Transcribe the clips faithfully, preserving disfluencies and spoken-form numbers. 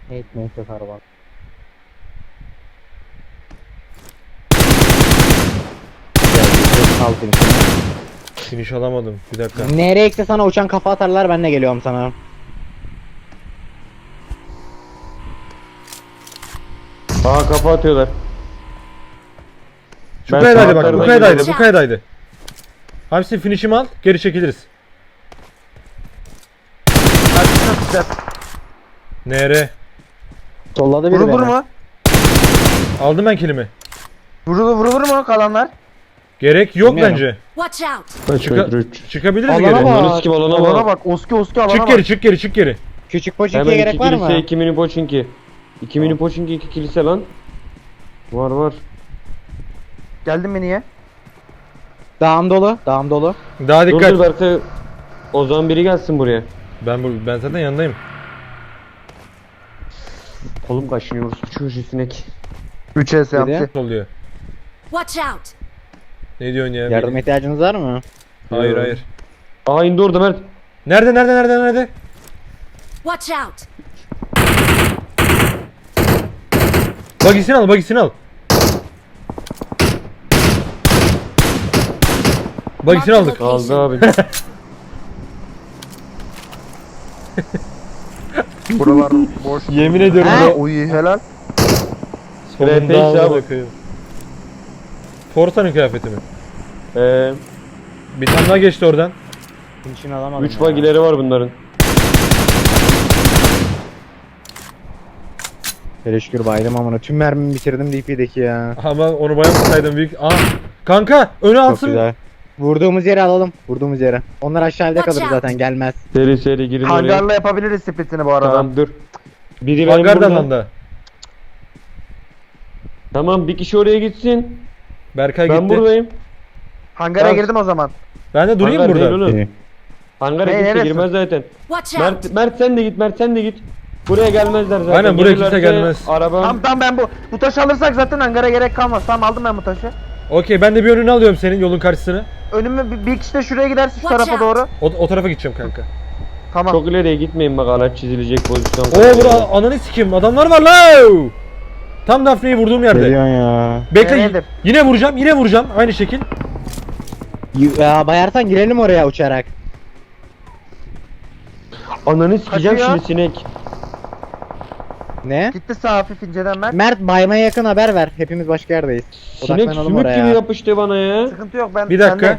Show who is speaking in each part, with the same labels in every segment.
Speaker 1: Ekmek yok araba. Al finish'ini.
Speaker 2: Finish alamadım. Bir dakika.
Speaker 1: Nereye ekse sana uçan kafa atarlar, ben de geliyorum sana.
Speaker 3: Aa kafa atıyorlar.
Speaker 2: Şu
Speaker 3: Ben
Speaker 2: kayadaydı
Speaker 3: sağ
Speaker 2: bak. Bu
Speaker 3: tarafa
Speaker 2: kayadaydı.
Speaker 3: gidiyorum.
Speaker 2: Bu kayadaydı. Hamsi finish'imi al. Geri çekiliriz. Nere?
Speaker 1: Solladı biri
Speaker 4: Vurulur
Speaker 1: beni.
Speaker 4: mu?
Speaker 2: Aldım ben kilimi.
Speaker 4: Vurulur vurulur mu kalanlar?
Speaker 2: Gerek yok
Speaker 1: Bilmiyorum.
Speaker 2: bence.
Speaker 5: Watch out!
Speaker 3: Kaç
Speaker 2: Çıka-
Speaker 3: metre üç.
Speaker 2: Çıkabiliriz
Speaker 1: Alana
Speaker 2: geri.
Speaker 1: bak.
Speaker 3: Ananı sikim alana
Speaker 4: Alana
Speaker 3: bak.
Speaker 4: bak. Oski oski alana
Speaker 2: Çık
Speaker 4: bak.
Speaker 2: geri, çık geri, çık geri.
Speaker 1: Küçük poçinkiye
Speaker 3: Hemen
Speaker 1: gerek
Speaker 3: iki
Speaker 1: var
Speaker 3: kilise,
Speaker 1: mı?
Speaker 3: iki mini poçinki. İki mini poçinki, iki kilise lan. Var var.
Speaker 4: Geldin mi niye?
Speaker 1: Dağım dolu, dağım dolu.
Speaker 2: Daha
Speaker 3: Dur
Speaker 2: dikkat.
Speaker 3: dur Berkay. O zaman biri gelsin buraya.
Speaker 2: Ben bu ben zaten yanındayım.
Speaker 3: Kolum kaşınıyor. Şu sinek.
Speaker 4: üç S
Speaker 1: Biri.
Speaker 4: yaptı.
Speaker 2: Oluyor.
Speaker 5: Watch out!
Speaker 2: Ne diyorsun ya?
Speaker 1: Yardım ihtiyacınız var mı?
Speaker 2: Hayır hayır.
Speaker 3: Aa indi orada Mert.
Speaker 2: Nerede nerede nerede nerede?
Speaker 5: Watch out!
Speaker 2: Bagisini al, bagisini al. Bagisini aldık.
Speaker 3: Aldı abi.
Speaker 4: Buralar boş.
Speaker 2: Yemin ediyorum
Speaker 1: Ha?
Speaker 2: da
Speaker 4: Oy helal.
Speaker 2: sonunda
Speaker 3: Rap
Speaker 2: amına
Speaker 3: abi.
Speaker 2: koyayım. Forsa'nın kıyafeti mi?
Speaker 3: Ee,
Speaker 2: Bir tane daha geçti oradan.
Speaker 1: Finish'ini alamadım.
Speaker 3: üç
Speaker 1: ya.
Speaker 3: bagileri var bunların.
Speaker 1: Hele şükür baydım amına. Tüm mermimi bitirdim D P'deki ya.
Speaker 2: Ama onu bayağı tutsaydım büyük. Aa, kanka önü
Speaker 1: Çok
Speaker 2: alsın.
Speaker 1: güzel. Vurduğumuz yere alalım. Vurduğumuz yere. Onlar aşağıda
Speaker 5: Watch
Speaker 1: kalır
Speaker 5: out.
Speaker 1: zaten, gelmez.
Speaker 3: Seri seri girin oraya.
Speaker 4: Hangarla yapabiliriz splitini bu arada.
Speaker 3: Tamam dur. Biri benim
Speaker 2: Hangar
Speaker 3: burada.
Speaker 2: dalanda.
Speaker 3: Tamam bir kişi oraya gitsin.
Speaker 2: Berkay
Speaker 3: Ben
Speaker 2: gitti.
Speaker 3: buradayım.
Speaker 4: Hangara
Speaker 3: Tamam.
Speaker 4: girdim o zaman.
Speaker 2: Ben de durayım
Speaker 3: Hangar değil
Speaker 2: burada.
Speaker 3: oğlum.
Speaker 1: İyi.
Speaker 3: Hangara
Speaker 4: Hey,
Speaker 3: kimse
Speaker 4: neresi?
Speaker 3: girmez zaten.
Speaker 5: Watch out!
Speaker 3: Mert, Mert sen de git, Mert sen de git. Buraya gelmezler zaten.
Speaker 2: Aynen, buraya kimse
Speaker 3: Gelirlerse
Speaker 2: gelmez.
Speaker 3: Araba.
Speaker 4: Tamam tamam ben bu bu taşı alırsak zaten hangara gerek kalmaz. Tamam aldım ben bu taşı.
Speaker 2: Okey, ben de bir önünü alıyorum senin yolun karşısını.
Speaker 4: Önümü bir, bir kişi de şuraya gidersin şu
Speaker 5: Watch
Speaker 4: tarafa
Speaker 5: out.
Speaker 4: doğru.
Speaker 2: O, o tarafa gideceğim kanka.
Speaker 4: Tamam.
Speaker 3: Çok ileriye gitmeyin bak araç çizilecek pozisyon.
Speaker 2: Oo bura ananı sikeyim, adamlar var la. Tam Daphne'yi vurduğum yerde.
Speaker 1: Geliyorsun ya.
Speaker 2: Bekle,
Speaker 4: Nerededir?
Speaker 2: yine vuracağım, yine vuracağım aynı şekil.
Speaker 1: Y- Ya bayarsan girelim oraya uçarak.
Speaker 3: Ananı sikeceğim
Speaker 4: Kaçıyor.
Speaker 3: şimdi sinek.
Speaker 1: Ne?
Speaker 4: Gitti sağ hafif inceden Mert.
Speaker 1: Mert baymaya yakın haber ver. Hepimiz başka yerdeyiz.
Speaker 3: Sinek
Speaker 1: Odaklanalım
Speaker 3: sümük
Speaker 1: oraya.
Speaker 3: gibi yapıştı bana ya.
Speaker 4: Sıkıntı yok ben
Speaker 2: Bir dakika.
Speaker 4: sendeyim.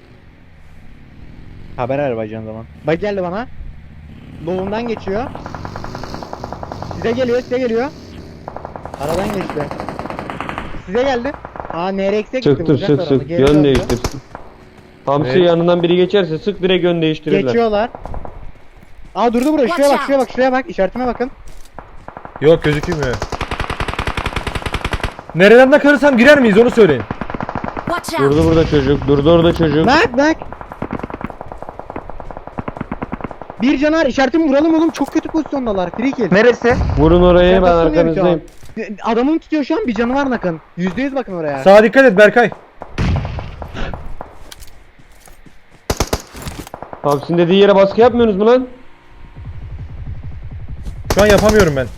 Speaker 1: Haber ver bacağın zaman. Bak geldi bana. Doğumdan geçiyor. Size geliyor, size geliyor. Aradan geçti. Size geldi. Aa N R X'e gitti.
Speaker 3: Sıktır
Speaker 1: vuracaklar
Speaker 3: sık
Speaker 1: onu.
Speaker 3: sık
Speaker 1: Geri
Speaker 3: yön
Speaker 1: döndü.
Speaker 3: değiştir. Hamsi
Speaker 2: Evet.
Speaker 3: yanından biri geçerse sık direkt yön değiştirirler.
Speaker 1: Geçiyorlar. Aa durdu burada. Şuraya bak, şuraya bak, şuraya bak. İşaretime bakın.
Speaker 2: Yok, gözükmüyor. Nereden de karırsam girer miyiz onu söyleyin.
Speaker 5: Watch out!
Speaker 3: Durdu burada çocuk, durdu orada çocuk.
Speaker 1: Bak bak. Bir canar, işaretimi vuralım oğlum. Çok kötü pozisyondalar. Free kill.
Speaker 4: Neresi?
Speaker 3: Vurun oraya ben
Speaker 1: Yakasını yerim şu an.
Speaker 3: arkanızdayım.
Speaker 1: Adamın tutuyor şu an, bir canı var nakın. Yüzde yüz bakın oraya.
Speaker 2: Sağa dikkat et Berkay.
Speaker 3: Hamsi'nin dediği yere baskı yapmıyorsunuz mu lan?
Speaker 2: Şu an yapamıyorum ben.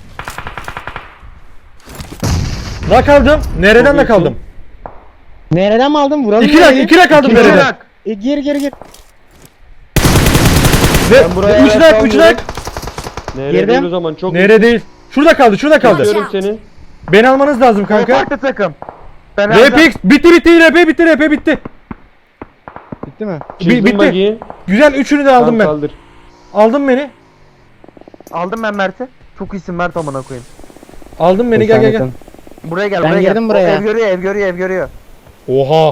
Speaker 2: La kaldım. Nereden de
Speaker 3: Çok
Speaker 2: kaldım?
Speaker 1: Nereden mi aldın? Vuralım.
Speaker 2: İki rak, iki rak kaldım
Speaker 4: İkinci
Speaker 2: nereden?
Speaker 4: rak.
Speaker 1: E, gir gir gir.
Speaker 2: Ve
Speaker 3: Ben buraya
Speaker 2: üç
Speaker 3: ayak
Speaker 2: rak, üç
Speaker 3: kalmıyorum.
Speaker 2: rak.
Speaker 3: Nereye
Speaker 1: Girdim.
Speaker 3: değil o zaman çok
Speaker 2: Nere değil? Şurada kaldı, şurada kaldı.
Speaker 5: Watch
Speaker 3: Görüyorum seni.
Speaker 2: Beni almanız lazım
Speaker 4: O
Speaker 2: kanka.
Speaker 4: farklı takım. Ben
Speaker 2: R
Speaker 4: alacağım.
Speaker 2: P X bitti bitti, R P bitti, R P bitti.
Speaker 1: Bitti mi?
Speaker 3: Çizdim
Speaker 2: bitti.
Speaker 3: bagiyi.
Speaker 2: Güzel, üçünü de aldım
Speaker 3: Tamam,
Speaker 2: ben.
Speaker 3: kaldır.
Speaker 2: Aldın beni.
Speaker 4: Aldım ben Mert'i. Çok iyisin Mert amına koyayım.
Speaker 2: Aldın beni, gel gel gel.
Speaker 1: Efsanesin.
Speaker 4: Buraya gel
Speaker 1: Ben
Speaker 4: buraya gel.
Speaker 1: girdim
Speaker 4: O
Speaker 1: buraya.
Speaker 4: Ev görüyor ev görüyor ev görüyor.
Speaker 2: Oha.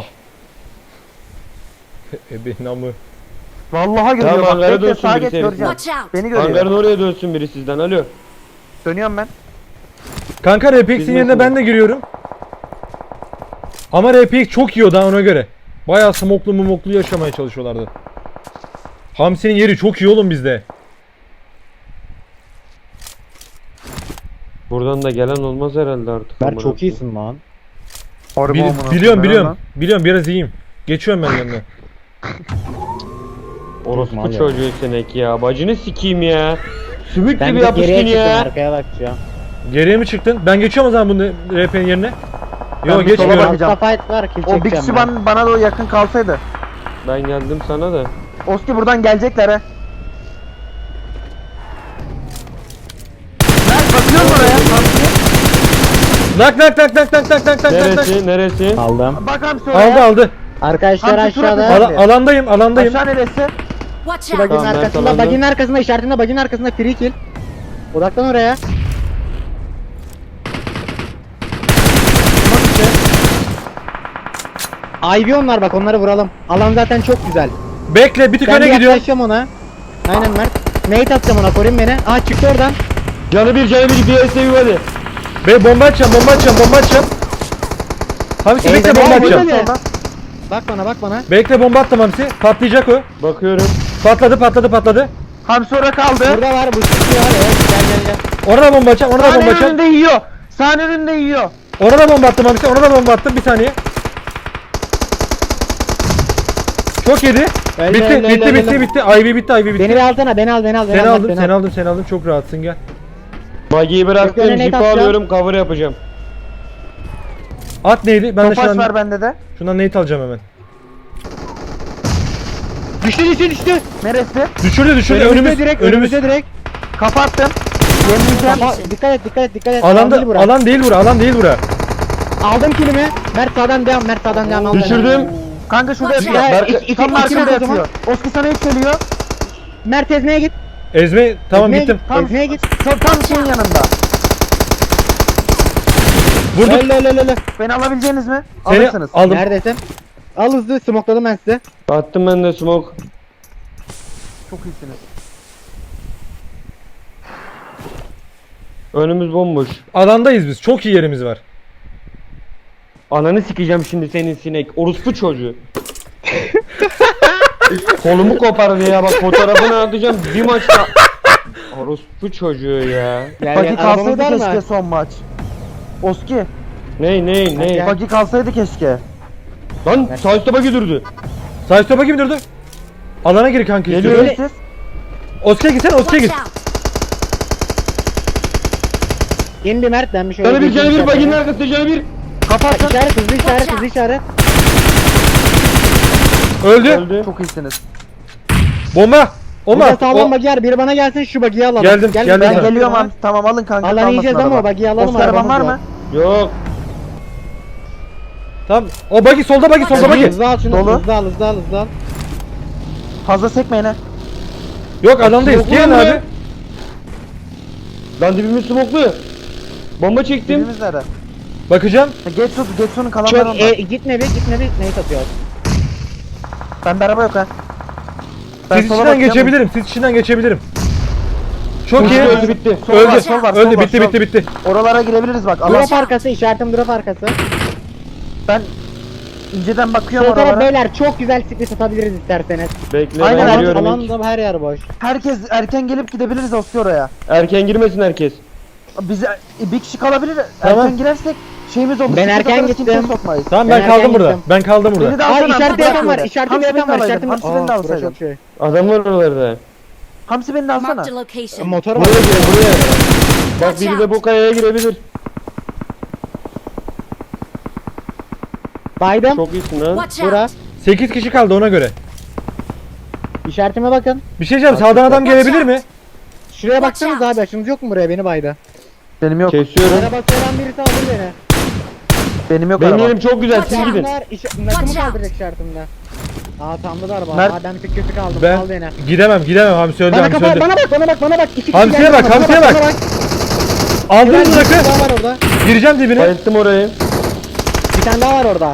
Speaker 2: Ebe namı.
Speaker 4: Vallahi görüyor
Speaker 3: Tamam,
Speaker 4: bak.
Speaker 3: hangara
Speaker 4: Bekle
Speaker 3: dönsün
Speaker 4: sağa
Speaker 3: biri
Speaker 4: geç
Speaker 3: seni.
Speaker 4: göreceğim.
Speaker 5: Watch out!
Speaker 4: Beni görüyor.
Speaker 3: Hangarın oraya dönsün biri sizden. Alo.
Speaker 4: Dönüyorum ben.
Speaker 2: Kanka R P X'in
Speaker 3: Bizim
Speaker 2: yerine
Speaker 3: nasıl?
Speaker 2: ben de giriyorum. Ama R P X çok iyi o da ona göre. Bayağı smoklu mumoklu yaşamaya çalışıyorlardı. Hamsi'nin yeri çok iyi oğlum bizde.
Speaker 3: Buradan da gelen olmaz herhalde artık.
Speaker 1: Mert
Speaker 3: amına
Speaker 1: çok
Speaker 3: koyayım.
Speaker 1: iyisin lan.
Speaker 4: Harbi
Speaker 2: Bil-
Speaker 4: amına koyayım,
Speaker 2: biliyorum
Speaker 4: ben
Speaker 2: biliyorum.
Speaker 4: lan.
Speaker 2: Biliyorum biraz iyiyim. Geçiyorum ben yanına.
Speaker 3: Orospu
Speaker 1: Mal ya.
Speaker 3: çocuğu sinek ya. Bacını sikeyim ya. Sümük
Speaker 1: Ben
Speaker 3: gibi
Speaker 1: de geriye
Speaker 3: yapıştın
Speaker 1: çıktım
Speaker 3: ya.
Speaker 1: arkaya bakacağım.
Speaker 2: Geriye mi çıktın? Ben geçiyorum o zaman bunu R P'nin yerine.
Speaker 4: Ben
Speaker 2: Yok
Speaker 4: bir sola
Speaker 2: geçmiyorum.
Speaker 4: bakacağım.
Speaker 1: Altta fight var kill
Speaker 4: O bir
Speaker 1: çekeceğim
Speaker 4: kişi
Speaker 1: ben.
Speaker 4: bana, bana doğru yakın kalsaydı.
Speaker 3: Ben geldim sana da.
Speaker 4: Oski buradan gelecekler he. Mert bakıyorum oraya.
Speaker 2: Nak nak nak nak nak nak nak nak nak.
Speaker 3: Neresi neresi?
Speaker 1: Aldım.
Speaker 4: Bak Hamsi oraya.
Speaker 2: Aldı aldı.
Speaker 1: Arkadaşlar
Speaker 4: Hamsi surat
Speaker 1: aşağıda.
Speaker 4: atıyor.
Speaker 2: Ala- alandayım alandayım.
Speaker 4: Aşağı neresi?
Speaker 5: Watch
Speaker 1: Şu
Speaker 5: out!
Speaker 1: baginin
Speaker 3: Tamam, ben
Speaker 1: arkasında,
Speaker 3: tamamladım.
Speaker 1: baginin arkasında işaretinde, baginin arkasında free kill. Odaklan oraya. Ivy onlar bak, onları vuralım. Alan zaten çok güzel.
Speaker 2: Bekle bir tık
Speaker 1: Ben
Speaker 2: öne
Speaker 1: bir
Speaker 2: gidiyorum.
Speaker 1: yaklaşacağım ona. Aynen Mert. Nate atacağım ona, koruyun beni. Aa çıktı oradan.
Speaker 3: Canı bir canı bir bir S U hadi.
Speaker 2: Be bomba atacağım bomba atacağım bomba atacağım. Hamsi bekle
Speaker 1: Eyvah,
Speaker 2: bomba
Speaker 1: eyvah,
Speaker 2: atacağım.
Speaker 1: eyvah. Bak bana, bak bana.
Speaker 2: Bekle bomba attım Hamsi. Patlayacak o.
Speaker 3: Bakıyorum.
Speaker 2: Patladı patladı patladı.
Speaker 4: Hamsi orada kaldı.
Speaker 1: Burada var, bu çıkıyor. Evet, gel gel gel.
Speaker 2: Ona da bomba atacağım ona da bomba
Speaker 4: Sahne
Speaker 2: atacağım.
Speaker 4: önünde yiyor. Sahne önünde yiyor.
Speaker 2: Ona da bomba attım Hamsi ona da bomba attım bir saniye. Çok yedi.
Speaker 1: Öyle,
Speaker 2: bitti
Speaker 1: öyle,
Speaker 2: bitti
Speaker 1: öyle,
Speaker 2: bitti
Speaker 1: öyle.
Speaker 2: bitti. Ivy bitti Ivy bitti.
Speaker 1: Beni bir alsana, beni al, beni al, beni
Speaker 2: Seni
Speaker 1: al.
Speaker 2: aldım
Speaker 1: beni
Speaker 2: seni
Speaker 1: al.
Speaker 2: aldım seni aldım çok rahatsın gel.
Speaker 3: Bagiyi
Speaker 1: Yok,
Speaker 3: bıraktım.
Speaker 1: önüne
Speaker 3: Jipi
Speaker 1: atacağım.
Speaker 3: alıyorum. Cover yapacağım.
Speaker 2: At neydi? Ben de
Speaker 4: Topaç
Speaker 2: şundan,
Speaker 4: var bende de.
Speaker 2: şundan nate alacağım hemen.
Speaker 1: Düştü düştü düştü.
Speaker 4: Neresi?
Speaker 2: Düşürdü düşürdü
Speaker 1: Önümüzde
Speaker 2: önümüz.
Speaker 1: direkt,
Speaker 2: önümüz.
Speaker 1: önümüzde direkt.
Speaker 4: Kapattım. Yenileceğim.
Speaker 1: Kafa, dikkat et, dikkat et, dikkat et. Alan
Speaker 2: Alanda
Speaker 1: değil bura.
Speaker 2: alan değil bura alan değil bura.
Speaker 1: Aldım kilimi. Mert sağdan devam, Mert sağdan devam. al beni.
Speaker 3: Düşürdüm.
Speaker 4: Kanka şurada
Speaker 5: Watch
Speaker 4: yapıyor.
Speaker 1: out.
Speaker 4: Berk-
Speaker 1: İki- iki-
Speaker 4: Tam
Speaker 1: iki-
Speaker 4: arkamda
Speaker 1: iki- o zaman.
Speaker 4: yatıyor. Oski sana yükseliyor.
Speaker 1: Mert ezmeye git.
Speaker 2: Ezme tamam
Speaker 1: ezmeye
Speaker 2: gittim.
Speaker 1: Git.
Speaker 4: Tam,
Speaker 1: Ezmeye git.
Speaker 4: tam, tam şeyin yanında.
Speaker 2: Vurduk.
Speaker 1: Öyle öyle öyle.
Speaker 4: Beni alabileceğiniz mi?
Speaker 2: Seni
Speaker 4: Alırsınız.
Speaker 2: aldım.
Speaker 1: Neredesin? Al hızlı, smokladım ben size.
Speaker 3: Attım ben de smoke.
Speaker 4: Çok iyisiniz.
Speaker 3: Önümüz bomboş.
Speaker 2: Alandayız biz. Çok iyi yerimiz var.
Speaker 3: Ananı sikeceğim şimdi senin sinek. Orospu çocuğu. Kolumu kopardı ya bak fotoğrafını atacağım bir maçta. Orospu çocuğu ya.
Speaker 1: Gel
Speaker 4: Bagi
Speaker 1: gel, arabamız
Speaker 4: kalsaydı
Speaker 1: var
Speaker 4: keşke
Speaker 1: mı?
Speaker 4: son maç. Oski.
Speaker 3: Ney ney ney.
Speaker 1: Gel.
Speaker 4: Bagi kalsaydı keşke.
Speaker 3: Lan sağ üstte bagi durdu.
Speaker 2: Sağ üstte bakayım durdu. Alana gir kanka
Speaker 3: Geliyor.
Speaker 2: istiyorum.
Speaker 4: Neresiz?
Speaker 2: Oska'ya gitsene Oska'ya
Speaker 5: Watch
Speaker 2: git.
Speaker 5: out!
Speaker 1: İn bir Mert, ben bir şöyle
Speaker 3: Canı bir
Speaker 1: geçeyim
Speaker 3: canı bir baginin
Speaker 1: içeriden.
Speaker 3: arkasında canı bir.
Speaker 4: Kapattım.
Speaker 1: İşaret, hızlı işaret,
Speaker 5: Watch
Speaker 1: hızlı
Speaker 5: out.
Speaker 1: işaret.
Speaker 2: Öldü.
Speaker 3: Öldü.
Speaker 4: Çok iyisiniz.
Speaker 2: Bomba.
Speaker 1: Burada
Speaker 2: Bomba.
Speaker 1: sağlam
Speaker 2: O-
Speaker 1: bagi var, biri bana gelsin şu bagiyi alalım.
Speaker 2: Geldim,
Speaker 1: Gel,
Speaker 2: geldim
Speaker 1: ben
Speaker 2: ben.
Speaker 4: Ben geliyorum
Speaker 1: bana.
Speaker 4: abi. Tamam alın kanka.
Speaker 1: Alan
Speaker 4: kalmasın
Speaker 1: yiyeceğiz ama
Speaker 4: araba.
Speaker 1: bagiyi alalım,
Speaker 4: Oski araban
Speaker 1: arabamız
Speaker 4: var
Speaker 1: yok.
Speaker 4: mı?
Speaker 3: Yok.
Speaker 2: Tamam. O bagi solda bagi solda bagi.
Speaker 1: Hızlı al şunu,
Speaker 4: Dolu.
Speaker 1: hızlı al, hızlı al, hızlı al.
Speaker 4: Fazla sekmeyin ha.
Speaker 2: Yok alandayız.
Speaker 3: Yok
Speaker 2: Gelin
Speaker 3: lan
Speaker 2: abi.
Speaker 3: be. Lan dibimiz smoklu. Bomba çektim.
Speaker 4: Birimiz nerede?
Speaker 2: Bakacağım.
Speaker 4: Ha, Geç su, geç sunun kalanları
Speaker 1: Çok,
Speaker 4: onda.
Speaker 1: e, gitme bir, gitme bir. Neyi satıyoruz?
Speaker 4: Bende araba yok ha. Ben
Speaker 2: Siz
Speaker 4: sola
Speaker 2: içinden
Speaker 4: bakacağım.
Speaker 2: geçebilirim. Siz içinden geçebilirim. Çok
Speaker 3: Öldü,
Speaker 2: iyi.
Speaker 3: öldü bitti.
Speaker 4: Sol var,
Speaker 2: Öldü.
Speaker 4: sol var, sol
Speaker 2: Öldü
Speaker 4: var,
Speaker 2: bitti
Speaker 4: sol.
Speaker 2: bitti bitti.
Speaker 4: Oralara girebiliriz bak. Allah.
Speaker 1: Drop arkası, işaretim drop arkası.
Speaker 4: Ben inceden bakıyorum
Speaker 1: Sol taraf
Speaker 4: oralara.
Speaker 1: beyler, çok güzel split atabiliriz isterseniz.
Speaker 3: Bekle
Speaker 4: Aynen,
Speaker 3: ben
Speaker 4: alan-
Speaker 3: geliyorum ilk.
Speaker 1: Alanda her yer boş.
Speaker 4: Herkes erken gelip gidebiliriz Oski oraya.
Speaker 3: Erken girmesin herkes.
Speaker 4: Biz e, bir kişi kalabilir.
Speaker 2: Tamam.
Speaker 4: Erken girersek şeyimiz olur.
Speaker 1: Ben
Speaker 4: Sıkıntı
Speaker 1: erken
Speaker 4: alırız,
Speaker 1: gittim.
Speaker 4: kimseyi sokmayız.
Speaker 2: Tamam
Speaker 1: Ben
Speaker 2: ben kaldım
Speaker 1: erken
Speaker 2: burada.
Speaker 1: gittim.
Speaker 2: Ben kaldım burada.
Speaker 4: Beni de
Speaker 1: Aa
Speaker 4: alsana,
Speaker 1: işaretimde
Speaker 4: bırak
Speaker 1: yapan var,
Speaker 4: böyle.
Speaker 1: işaretimde
Speaker 4: Hamsi beni
Speaker 1: yapan
Speaker 4: de
Speaker 1: var,
Speaker 4: alaydın,
Speaker 1: işaretimde.
Speaker 4: Hamsi beni de
Speaker 1: Aa, bura
Speaker 4: alsaydın.
Speaker 1: çok şey.
Speaker 3: Adam var oralarda.
Speaker 4: Hamsi beni de alsana.
Speaker 5: Marked a location.
Speaker 1: Motor var.
Speaker 3: Buraya gir buraya. Bak
Speaker 5: Watch
Speaker 3: biri de
Speaker 5: out.
Speaker 3: bu kayaya girebilir.
Speaker 1: Baydım.
Speaker 3: Çok iyisin lan.
Speaker 5: Watch
Speaker 1: Bura.
Speaker 5: out!
Speaker 2: sekiz kişi kaldı ona göre.
Speaker 1: İşaretime bakın.
Speaker 2: Bir şey diyeceğim. Sağdan adam gelebilir mi?
Speaker 1: Şuraya
Speaker 5: Watch
Speaker 1: baksanız
Speaker 5: out.
Speaker 1: abi, açınız yok mu buraya? Beni baydı.
Speaker 4: Benim yok.
Speaker 3: Kesiyorum.
Speaker 1: Araba soran birisi alır beni.
Speaker 4: Benim yok
Speaker 3: Benim
Speaker 4: araba.
Speaker 3: yerim çok güzel siz
Speaker 5: Watch out.
Speaker 3: gidin.
Speaker 1: Bunlar iş- nakımı
Speaker 5: Watch out.
Speaker 1: kaldıracak işaretimde. Aa tamdı da araba.
Speaker 4: Mert-
Speaker 1: Aa ben bir tık kötü kaldım.
Speaker 2: Ben
Speaker 1: Al beni.
Speaker 2: gidemem gidemem. Hamsi öldü
Speaker 1: Bana
Speaker 2: Hamsi
Speaker 1: kafa,
Speaker 2: öldü.
Speaker 1: bana bak, bana bak, bana bak. İki kişi
Speaker 2: Hamsiye
Speaker 1: geldi
Speaker 2: bak,
Speaker 1: bana,
Speaker 2: hamsiye
Speaker 1: bana
Speaker 2: bak.
Speaker 1: bana
Speaker 2: Aldın
Speaker 1: Bir
Speaker 2: mı
Speaker 1: tane
Speaker 2: rakı?
Speaker 1: daha var orada.
Speaker 2: Gireceğim dibine.
Speaker 3: Bayılttım orayı.
Speaker 1: Bir tane daha var orada.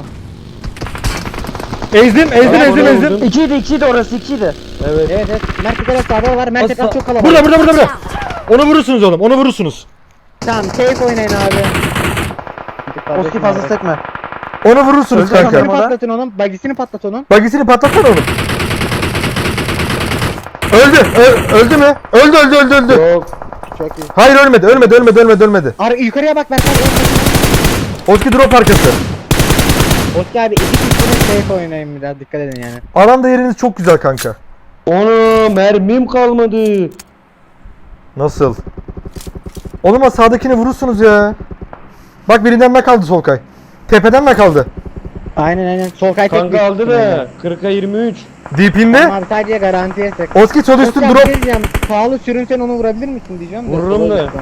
Speaker 2: Ezdim ezdim
Speaker 3: Tamam,
Speaker 2: ezdim
Speaker 3: oraya
Speaker 2: ezdim.
Speaker 3: vurdum.
Speaker 4: İkiydi ikiydi orası ikiydi.
Speaker 3: Evet.
Speaker 1: Evet evet. Mert bir kere sağda var. Mert etraf çok kalabalık.
Speaker 2: Burada burada burada burada.
Speaker 5: Watch out!
Speaker 2: Onu vurursunuz oğlum. Onu vurursunuz.
Speaker 1: Tamam safe oynayın abi.
Speaker 4: Oski fazla sekme.
Speaker 2: Onu vurursunuz
Speaker 4: Öldü
Speaker 2: kanka.
Speaker 4: sanırım.
Speaker 1: Bagisini patlatın onun. Bagisini patlat onun.
Speaker 2: Bagisini patlatsana oğlum. Öldü. Ö- öldü mü? Öldü öldü öldü öldü.
Speaker 3: Yok.
Speaker 1: Çok iyi.
Speaker 2: Hayır ölmedi. Ölmedi ölmedi ölmedi ölmedi.
Speaker 1: Ar yukarıya bak Mert.
Speaker 2: Oski drop arkası.
Speaker 1: Oski abi iki kişinin safe oynayın biraz, dikkat edin yani.
Speaker 2: Alanda yeriniz çok güzel kanka.
Speaker 3: Onu mermim kalmadı.
Speaker 2: Nasıl? Oğlum o sağdakini vurursunuz ya. Bak birinden ne kaldı Solkay? Tepeden ne kaldı?
Speaker 1: Aynen aynen. Sol kay tek
Speaker 3: Kanka
Speaker 1: büyük
Speaker 3: aldı
Speaker 1: ihtimalle.
Speaker 3: da kırka yirmi üç.
Speaker 2: Deep'inde.
Speaker 1: Tamam abi sadece garantiye sık.
Speaker 2: Oski sol üstü
Speaker 1: Oscar, bir
Speaker 2: drop.
Speaker 1: şey diyeceğim. Sağlı sürünsen onu vurabilir misin diyeceğim de.
Speaker 3: Vururum
Speaker 1: Sol
Speaker 3: da.
Speaker 1: üstten.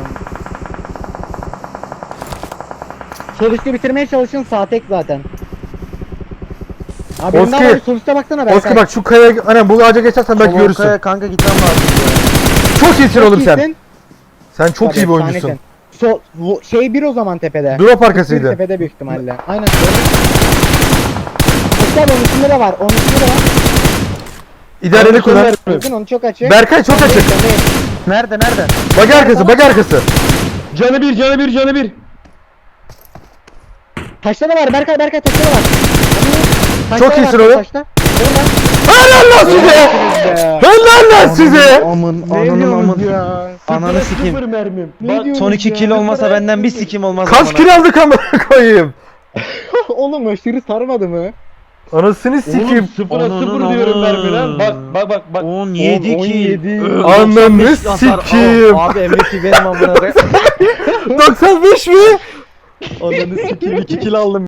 Speaker 1: Sol üstü bitirmeye çalışın sağ tek zaten. Abi benim
Speaker 2: Oski.
Speaker 1: daha var, sol üste baksana Berkay.
Speaker 2: Oski bak şu kaya, hani bu ağaca geçersen belki görürsün.
Speaker 4: Solokaya kanka gitmem lazım.
Speaker 2: Çok iyisin
Speaker 1: Çok
Speaker 2: oğlum sen.
Speaker 1: iyisin.
Speaker 2: Sen çok
Speaker 1: Tabii,
Speaker 2: iyi bir oyuncusun.
Speaker 1: efsanesin. Sol, bu- şey bir o zaman tepede.
Speaker 2: Drop
Speaker 1: Bir
Speaker 2: arkasıydı.
Speaker 1: tepede büyük ihtimalle. Aynen. Oscar onun üstünde de var. Onun üstünde de var.
Speaker 2: İdareli kullan.
Speaker 1: Bakın onu çok açık.
Speaker 2: Berkay çok açık.
Speaker 4: Nerede nerede?
Speaker 2: Bak arkası, bak arkası.
Speaker 3: Canı bir, canı bir, canı bir.
Speaker 1: Taşta da var Berkay Berkay taşta da var. Taşta
Speaker 2: Çok
Speaker 1: da
Speaker 2: iyisin
Speaker 1: var,
Speaker 2: oğlum.
Speaker 1: taşta. Orada.
Speaker 2: Helal lan size! Helal lan size!
Speaker 4: Amın
Speaker 1: Ne
Speaker 4: ananın
Speaker 1: diyorsunuz
Speaker 4: amın.
Speaker 1: ya?
Speaker 4: Ananı
Speaker 3: Sıfır
Speaker 4: sikeyim.
Speaker 3: mermim.
Speaker 1: Ne
Speaker 3: Bak,
Speaker 1: diyorsun?
Speaker 4: Son iki
Speaker 1: ya.
Speaker 4: kill olmasa benden bir sikim olmaz.
Speaker 2: Kaç
Speaker 4: amına.
Speaker 2: kill aldık amına koyayım?
Speaker 1: Oğlum aşırı sarmadı mı?
Speaker 2: Anasını
Speaker 3: Oğlum
Speaker 2: sikeyim.
Speaker 3: sıfıra
Speaker 4: Ananın
Speaker 3: sıfır diyorum
Speaker 4: amı.
Speaker 3: mermiden. Bak bak bak bak.
Speaker 4: on yedi
Speaker 1: on
Speaker 4: kill.
Speaker 1: yedi.
Speaker 4: Ö,
Speaker 2: Ananı
Speaker 4: doksan beş hasar.
Speaker 2: sikeyim.
Speaker 4: Aa, Abi M V P benim amına koyayım.
Speaker 2: doksan beş mi?
Speaker 4: Ananı sikeyim iki kill aldım.